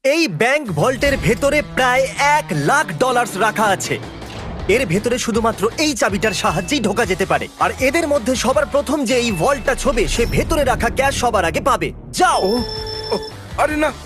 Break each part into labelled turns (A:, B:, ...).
A: এই ব্যাংক ভল্টের ভেতরে প্রায় $1,00,000 রাখা আছে। এর ভেতরে শুধুমাত্র এই চাবিটার সাহায্যেই ঢোকা যেতে পারে। আর এদের মধ্যে সবার প্রথম যে এই ভল্টটা ছোবে সে ভেতরে রাখা ক্যাশ সবার আগে পাবে। যাও।
B: ও, আরে না।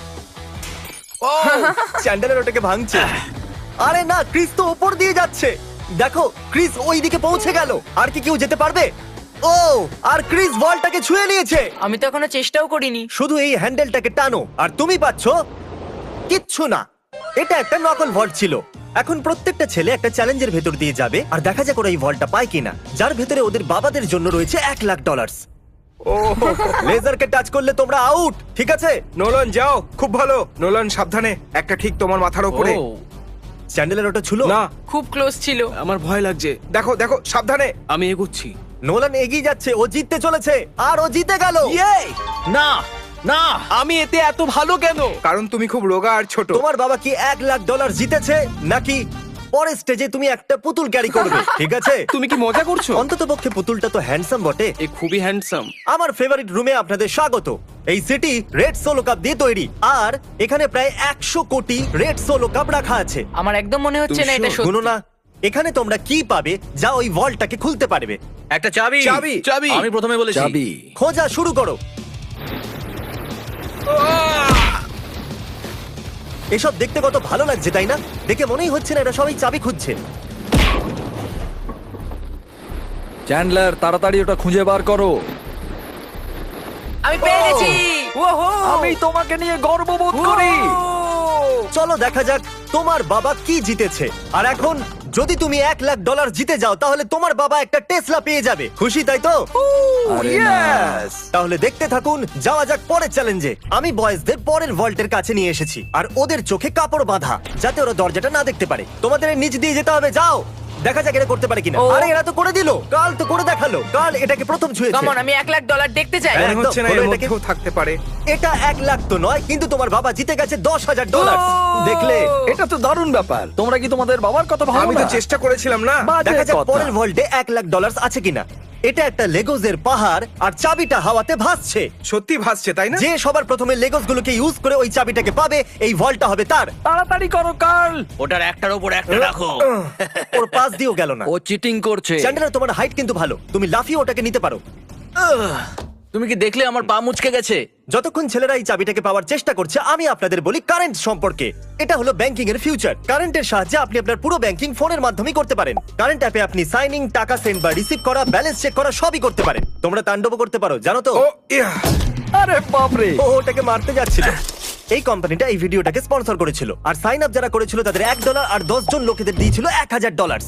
A: চ্যান্ডেলার ওটাকে ভাঙছে। আরে না, ক্রিস তো উপর দিয়ে যাচ্ছে। দেখো, ক্রিস ওই দিকে পৌঁছে গেল। আর কি কেউ যেতে পারবে? ও, আর ক্রিস বলটাকে ছুঁয়ে নিয়েছে।
C: আমি তো এখনো চেষ্টাও করিনি।
A: শুধু এই হ্যান্ডেলটাকে টানো আর তুমি পাচ্ছো কিচ্ছু না। এটা একটা নকল ভল্ট ছিল। এখন প্রত্যেকটা ছেলে একটা চ্যালেঞ্জের ভেতর দিয়ে যাবে আর দেখা যাক ওরা এই ভল্টটা পায় কিনা, যার ভেতরে ওদের বাবাদের জন্য রয়েছে $1,00,000।
B: ও
A: লেজারকে টাচ করলে তোমরা আউট, ঠিক আছে?
B: নোলান যাও, খুব ভালো। নোলান সাবধানে, একটা ঠিক তোমার মাথার উপরে।
A: চ্যান্ডেলের ওটা ছিল
B: না,
C: খুব ক্লোজ ছিল।
D: আমার ভয় লাগছে।
B: দেখো দেখো সাবধানে।
D: আমি এগোচ্ছি।
A: নোলান এগিয়ে যাচ্ছে, ও জিততে চলেছে আর ও জিতে গেল।
D: না না, আমি এতে এত ভালো কেন?
B: কারণ তুমি খুব রোগা আর ছোট।
A: তোমার বাবা কি $1,00,000 জিতেছে নাকি পরের স্টেজে তুমি একটা পুতুল ক্যারি করবে? ঠিক আছে,
D: তুমি কি মজা করছো?
A: অন্তত পক্ষে পুতুলটা তো হ্যান্ডসাম বটে।
D: এ খুবই হ্যান্ডসাম।
A: আমার ফেভারিট রুমে আপনাদের স্বাগত। এই সিটি রেড সোলো কাপ দিয়ে তৈরি আর এখানে প্রায় 100 কোটি রেড সোলো কাপ রাখা আছে।
C: আমার একদম মনে হচ্ছে না এটা
A: শুনো
C: সত্যি।
A: না, এখানে তোমরা কি পাবে যা ওই ভল্টটাকে খুলতে পারবে?
E: একটা চাবি।
B: চাবি।
D: চাবি।
E: আমি প্রথমে বলেছি
D: চাবি।
A: খোঁজা শুরু করো। এসব দেখতে কত ভালো লাগছে তাই না? দেখে মনেই হচ্ছে না এটা সবাই চাবি খুঁজছে।
F: চ্যান্ডলার, তাড়াতাড়ি ওটা খুঁজে বার করো।
C: আমি পেয়ে গেছি। ওহো!
F: আমি তোমাকে নিয়ে গর্ববোধ করি।
A: চলো দেখা যাক তোমার বাবা কি জিতেছে। আর এখন যদি তুমি $1,00,000 জিতে যাও তাহলে তোমার বাবা একটা টেসলা পেয়ে যাবে। খুশি তাই তো?
F: আরে না।
A: Yes! তাহলে দেখতে থাকুন, যাওয়া যাক পরের চ্যালেঞ্জে। আমি বয়েজদের পরের ভল্টের কাছে নিয়ে এসেছি আর ওদের চোখে কাপড় বাঁধা যাতে ওরা দরজাটা না দেখতে পারে। তোমাদের এর নিচ দিয়ে যেতে হবে, যাও। দেখা যাক এটা করতে পারে কিনা।
C: ও।
A: আরে এরা তো করে দিল। কাল তো করে দেখালো। কাল এটাকে প্রথম ছুঁয়েছে।
C: কামন, আমি $1,00,000 দেখতে চাই।
A: হ্যাঁ।
B: মনে হচ্ছে না
A: একদম,
B: এর
A: হলো এটাকে।
B: মধ্যেও থাকতে পারে।
A: এটা 1,00,000 তো নয়, কিন্তু তোমার বাবা জিতে গেছে $10,000। দেখলে?
F: এটা তো দারুণ ব্যাপার। তোমরা কি তোমাদের বাবার কথা ভাবো
B: আমি তো
F: না?
B: চেষ্টা করেছিলাম না।
F: বাজে
A: দেখা যাক
F: কথা।
A: পরের ভল্টে $1,00,000 আছে কিনা। এটা একটা লেগোজের পাহাড় আর চাবিটা হাওয়াতে ভাসছে।
B: সত্যি ভাসছে তাই না?
A: যে সবার প্রথমে লেগোস গুলোকে ইউজ করে ওই চাবিটাকে পাবে, এই ভল্টটা হবে তার।
F: তাড়াতাড়ি করো কার্ল।
E: ওটার একটার উপর একটা রাখো।
A: ওর পাশ দিয়েও গেল না।
F: ও চিটিং করছে।
A: চ্যান্ডেলার, তোমার হাইট কিন্তু ভালো, তুমি লাফিয়ে ওটাকে নিতে পারো।
E: তুমি কি দেখলে আমার পা মুচকে গেছে?
A: যতক্ষণ ছেলেরা এই চাবিটাকে পাওয়ার চেষ্টা করছে, আমি আপনাদের বলি কারেন্ট সম্পর্কে। এটা হলো ব্যাংকিং এর ফিউচার। কারেন্টের সাহায্যে আপনি আপনার পুরো ব্যাংকিং ফোনের মাধ্যমেই করতে পারেন। কারেন্ট অ্যাপে আপনি সাইনিং, টাকা সেন্ড বা রিসিভ করা, ব্যালেন্স চেক করা সবই করতে পারেন। তোমরা তাণ্ডব করতে পারো, জানো তো?
B: ও ইয়া।
F: আরে বাপরে।
A: ও ওটাকে মারতে যাচ্ছিল। এই কোম্পানিটা এই ভিডিওটাকে স্পন্সর করেছিল আর সাইন আপ যারা করেছিল তাদের $1 আর 10 জন লোকেদের দিয়েছিল $1,000।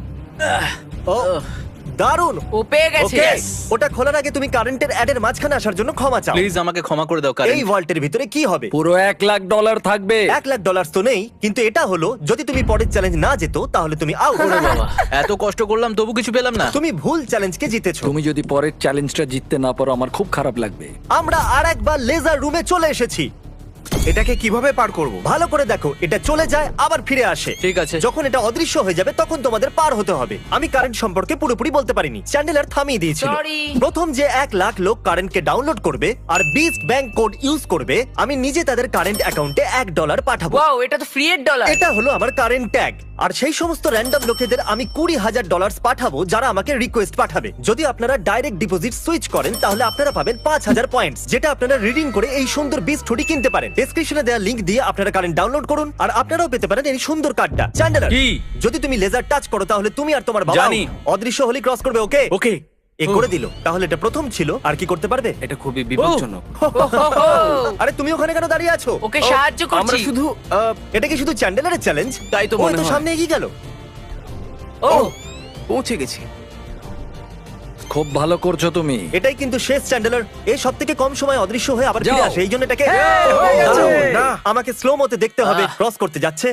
A: ও দারুণ।
C: ও পেয়ে গেছে।
A: ওকে, ওটা খোলার আগে তুমি কারেন্টের অ্যাডের মাঝখানে আসার জন্য ক্ষমা চাও।
E: প্লিজ আমাকে ক্ষমা করে দাও
A: এই
E: কারণ
A: ভল্টের ভিতরে কি হবে?
F: পুরো $1,00,000 থাকবে।
A: $1,00,000 তো নেই, কিন্তু এটা হলো যদি তুমি পরের চ্যালেঞ্জ না যেত তাহলে তুমি আউট।
E: বাবা এত কষ্ট করলাম তবু কিছু পেলাম না।
A: তুমি ভুল চ্যালেঞ্জকে জিতেছো।
F: তুমি যদি পরের চ্যালেঞ্জটা জিততে না পারো আমার খুব খারাপ লাগবে।
A: আমরা আর একবার লেজার রুমে চলে এসেছি।
B: এটাকে কিভাবে পার করব?
A: ভালো করে দেখো, এটা চলে যায় আবার ফিরে আসে।
E: ঠিক আছে।
A: যখন এটা অদৃশ্য হয়ে যাবে তখন তোমাদের পার হতে হবে। আমি কারেন্ট সম্পর্কে পুরোপুরি বলতে পারিনি, চ্যান্ডেলার থামিয়ে দিয়েছিল।
C: Sorry.
A: প্রথম যে 1,00,000 লোক কারেন্টকে ডাউনলোড করবে আর বিস্ট ব্যাংক কোড ইউজ করবে, আমি নিজে তাদের কারেন্ট অ্যাকাউন্টে $1 পাঠাবো।
C: ওয়াও, এটা তো ফ্রি এর ডলার।
A: এটা হলো আমার কারেন্ট ট্যাগ। আর সেই সমস্ত র্যান্ডম লোকেদের আমি $20,000 পাঠাবো যারা আমাকে রিকোয়েস্ট পাঠাবে। যদি আপনারা ডাইরেক্ট ডিপোজিট সুইচ করেন তাহলে আপনারা পাবেন 5,000 পয়েন্টস, যেটা আপনারা রিডিং করে এই সুন্দর বিস্ট হুডি কিনতে পারেন। ডেসক্রিপশনে দেওয়া লিংক দিয়ে আপনারা কারেন্ট ডাউনলোড করুন আর আপনারাও পেতে পারেন এই সুন্দর কার্ডটা। চ্যান্ডেলার,
E: কি?
A: যদি তুমি লেজার টাচ করো তাহলে তুমি আর তোমার বাবা
E: জানি।
A: অদৃশ্য হলি ক্রস করবে। ওকে
E: ওকে।
A: এ করে দিল। তাহলে এটা প্রথম ছিল, আর কি করতে পারবে?
D: এটা খুবই বিপজ্জনক।
A: আরে তুমি ওখানে কেন দাঁড়িয়ে আছো?
C: ওকে সাহায্য
D: আমরা
C: করছি।
D: শুধু
A: এটা কি শুধু চ্যান্ডেলারের চ্যালেঞ্জ?
D: তাই তো
A: ও
D: মনে
A: তো
D: হয়।
A: সামনে এগিয়ে গেল।
C: ও
D: পৌঁছে গেছি।
F: খুব ভালো করছো তুমি।
A: এটাই কিন্তু শেষ চ্যান্ডেলার। এই সব থেকে কম সময় অদৃশ্য হয়ে আবার ফিরে
F: যাও।
A: আসে, এই জন্য এটাকে
B: হয়ে গেছে।
A: দারুণ।
B: না।
A: আমাকে স্লো মতে দেখতে হবে ক্রস করতে যাচ্ছে।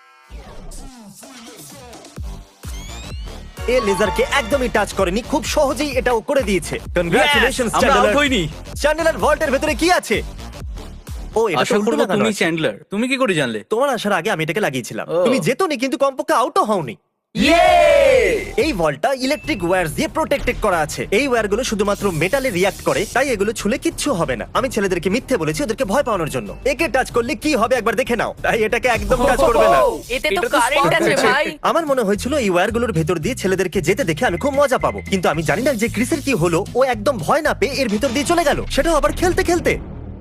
A: এ লেজারকে একদমই টাচ করেনি, খুব সহজেই এটাও করে দিয়েছে। কনগ্রাচুলেশনস
E: আমরা
A: চ্যান্ডেলার।
E: আউট হইনি।
A: চ্যান্ডেলার ভল্টের ভেতরে কি আছে? ও এটা তো
E: আশা
A: উল্টো
E: করবো
A: লাগানো
E: তুমি
A: আছে।
E: চ্যান্ডলার। তুমি কি করে জানলে?
A: তোমার আসার আগে আমি এটাকে লাগিয়েছিলাম।
E: ও।
A: তুমি যেতনি কিন্তু কমপক্ষে আউটও হওনি। এই ভলটা ইলেকট্রিক ওয়্যার দিয়ে প্রোটেক্টেড করা আছে। এই ওয়্যারগুলো শুধুমাত্র মেটালে রিয়াক্ট করে, তাই এগুলো ছুলে কিচ্ছু হবে না। আমি ছেলেদেরকে মিথ্যে বলেছি ওদেরকে ভয় পাওয়ানোর জন্য। একে টাচ করলে কি হবে একবার দেখে নাও, তাই এটাকে একদম টাচ করবে না।
C: এতে তো কারেন্ট আছে ভাই।
A: আমার মনে হয়েছিল এই ওয়্যারগুলোর ভেতর দিয়ে ছেলেদেরকে যেতে দেখে আমি খুব মজা পাবো, কিন্তু আমি জানি না যে ক্রিসের কি হলো। ও একদম ভয় না পেয়ে এর ভেতর দিয়ে চলে গেল, সেটাও আবার খেলতে খেলতে।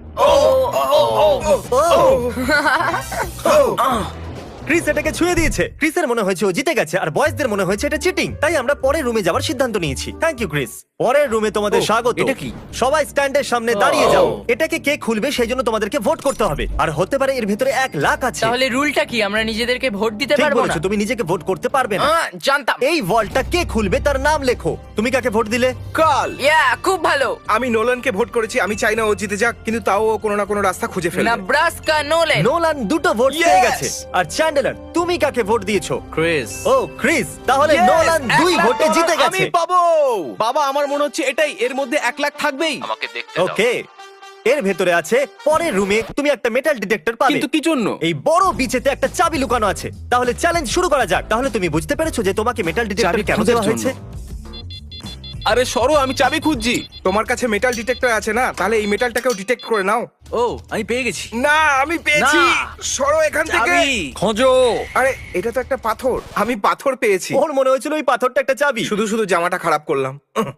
A: ক্রিস এটাকে ছুঁয়ে দিয়েছে। ক্রিসের মনে হয়েছে ও জিতে গেছে, আর বয়েজদের মনে হয়েছে এটা চিটিং। তাই আমরা পরের রুমে যাওয়ার সিদ্ধান্ত নিয়েছি। Thank you Chris. পরের রুমে তোমাদের স্বাগত।
D: এটা কি?
A: সবাই স্ট্যান্ডের সামনে দাঁড়িয়ে যাও। এটাকে কে খুলবে সেই জন্য তোমাদেরকে ভোট করতে হবে, আর হতে পারে এর ভেতরে 1 লাখ আছে।
C: তাহলে রুলটা কি, আমরা নিজেদেরকে ভোট দিতে
A: ঠিক
C: পারবো না?
A: বলেছো, তুমি নিজেকে ভোট করতে পারবে না।
C: জানতাম।
A: এই ভল্টটা কে খুলবে তার নাম লেখো। তুমি কাকে ভোট দিলে?
B: কাল
C: ইয়া, খুব ভালো।
B: আমি নোলানকে ভোট করেছি। আমি চাই না ও জিতে যাক, কিন্তু তাও ও কোনো না কোনো রাস্তা খুঁজে ফেলবে।
C: Nebraska Nolan.
A: নোলান 2টো ভোট
B: Yes!
A: পেয়ে গেছে। আর চ্যান্ডেলার, তুমি কাকে ভোট দিয়েছো?
E: ক্রিস।
A: ও ক্রিস, তাহলে
D: Yes!
A: নোলান 2
D: 1 লাখ
A: ভোটে
D: ডলার
A: জিতে
D: আমি
A: গেছে।
D: পাবো। বাবা, আমার মনে হচ্ছে এটাই, এর মধ্যে 1 লাখ থাকবেই।
E: আমাকে দেখতে দাও।
A: ওকে, এর ভেতরে আছে পরের রুমে তুমি একটা মেটাল ডিটেক্টর পাবে।
D: কিন্তু কি জন্য?
A: এই বড় বিচেতে একটা চাবি লুকানো আছে। তাহলে চ্যালেঞ্জ শুরু করা যাক। তাহলে তুমি বুঝতে পেরেছো যে তোমাকে মেটাল ডিটেক্টর
D: চাবি
A: কেন
D: খোঁজার
A: দেওয়া
D: জন্য।
A: হয়েছে?
D: আরে সরো, আমি চাবি খুঁজছি।
B: তোমার কাছে মেটাল ডিটেক্টর আছে না? তাহলে এই মেটালটাকেও ডিটেক্ট করে নাও।
E: ও, আমি পেয়ে গেছি।
B: না, আমি পেয়েছি।
E: না।
B: সরো এখান থেকে।
E: চাবি।
F: খোঁজো।
B: আরে এটা তো একটা পাথর। আমি পাথর পেয়েছি।
A: ওর মনে হয়েছিল ওই পাথরটা একটা চাবি।
B: শুধু শুধু জামাটা খারাপ করলাম।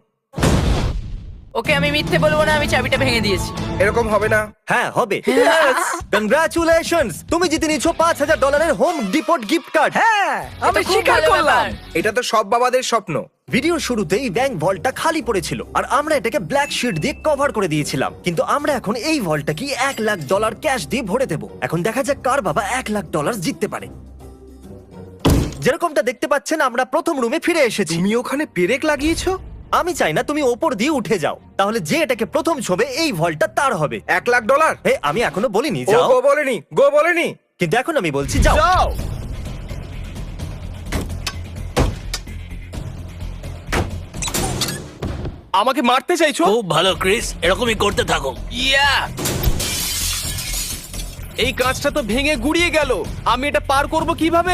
C: ওকে, আমি মিথ্যে বলবো না, আমি চাবিটা ভেঙে দিয়েছি।
B: এরকম হবে না।
A: হ্যাঁ হবে। কংগ্রাচুলেশনস, তুমি জিতে নিয়েছো $5000 হোম ডিপোট গিফট কার্ড।
F: হ্যাঁ, আমি
C: এটা খুব
F: স্বীকার
C: ভালো
F: করলাম।
C: ব্যাপার।
B: এটা তো সব বাবাদের স্বপ্ন।
A: ভিডিওর শুরুতেই ব্যাংক ভল্টটা খালি পড়েছিল, আর আমরা এটাকে ব্ল্যাক শিট দিয়ে কভার করে দিয়েছিলাম। কিন্তু আমরা এখন এই ভল্টটাকে $1 লাখ ক্যাশ দিয়ে ভরে দেব। এখন দেখা যাক কার বাবা $1 লাখ জিততে পারে। যেরকমটা দেখতে পাচ্ছেন, আমরা প্রথম রুমে ফিরে এসেছি।
B: তুমি ওখানে পেরেক লাগিয়েছো?
A: আমি চাই না তুমি ওপর দিয়ে উঠে যাও, তাহলে যে এটাকে প্রথম ছবে এই ভল্টটা তার হবে।
B: $1 লাখ।
A: হে, আমি এখনো বলিনি
B: ও
A: যাও,
B: গো বলেনি, গো বলেনি।
A: কিন্তু এখন আমি বলছি যাও।
D: যাও। আমাকে মারতে চাইছো?
E: খুব ভালো ক্রিস, এরকমই করতে থাকো।
C: ইয়া,
D: এই কাঁচটা তো ভেঙে গুড়িয়ে গেল। আমি এটা পার করব কিভাবে?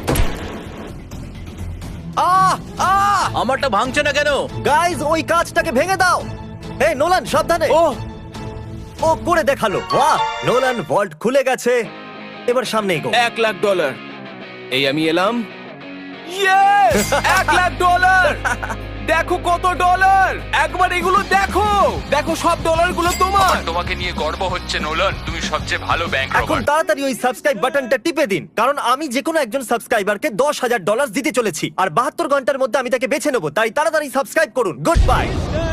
A: আহ আহ
E: আমারটা ভাঙছে না কেন?
A: গাইজ, ওই কাঁচটাকে ভেঙে দাও। হে নোলান, সাবধানে।
D: ও,
A: ও করে দেখালো। বাহ, নোলান ভল্ট খুলে গেছে। এবার সামনে এগো।
D: $1 লাখ। এই আমি এলাম। ইয়েস, $1 লাখ। দেখো কত ডলার। একবার এগুলো দেখো। দেখো, সব ডলারগুলো তোমার।
G: তোমাকে নিয়ে গর্ব হচ্ছে নোলান, তুমি সবচেয়ে ভালো ব্যাংক
A: এখন
G: রবার।
A: তাড়াতাড়ি ওই সাবস্ক্রাইব বাটনটা টিপে দিন, কারণ আমি যে কোনো একজন সাবস্ক্রাইবারকে $10,000 দিতে চলেছি, আর 72 ঘন্টার মধ্যে আমি তাকে বেছে নেবো। তাই তাড়াতাড়ি সাবস্ক্রাইব করুন। Good bye.